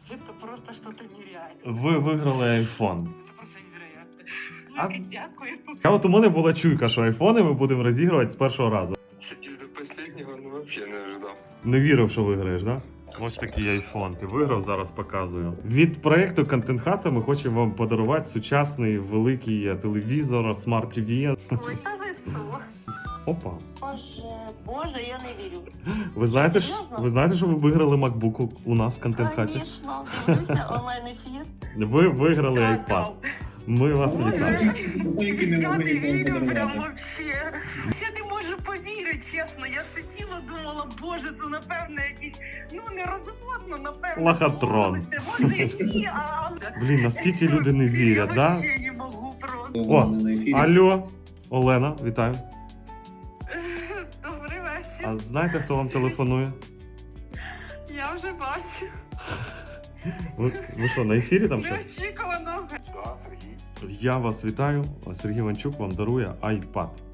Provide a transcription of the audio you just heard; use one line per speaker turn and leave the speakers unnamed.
Это просто что-то нереальное.
Ви виграли iPhone.
Это просто невероятно.
А-
Велике дякую.
А от у мене була чуйка, що айфони ми будемо розігрувати з першого разу.
Сидеть до последнего, ну вообще не ожидал.
Не вірив, що виграєш, да? Ось такий айфон. Ти виграв, зараз показую. Від проєкту Content Hut ми хочемо вам подарувати сучасний великий телевізор, смарт TV.
Ой, та ви що?
Опа.
Боже, я не вірю.
Ви знаєте, що ви виграли MacBook у нас в Content Hut?
Звісно, дивлюся онлайн-ефір.
Ви виграли iPad. Ми вас вітаємо.
Я не вірю прям вообще. Я не можу повірити, чесно. Я сиділа, думала, боже, це напевно якийсь, ну не розводно, напевно.
Лохотрон.
домовилися. Може і ні, а...
Блін, наскільки люди не вірять,
Я
да?
вообще не можу просто.
О, алло, Олена, вітаю.
Добрий вечір.
А знаєте, хто вам телефонує?
Я вже бачу.
Ви що, на ефірі там щось?
Неочікувано.
Да, Сергей.
Я вас вітаю. Сергій Іванчук вам дарує iPad.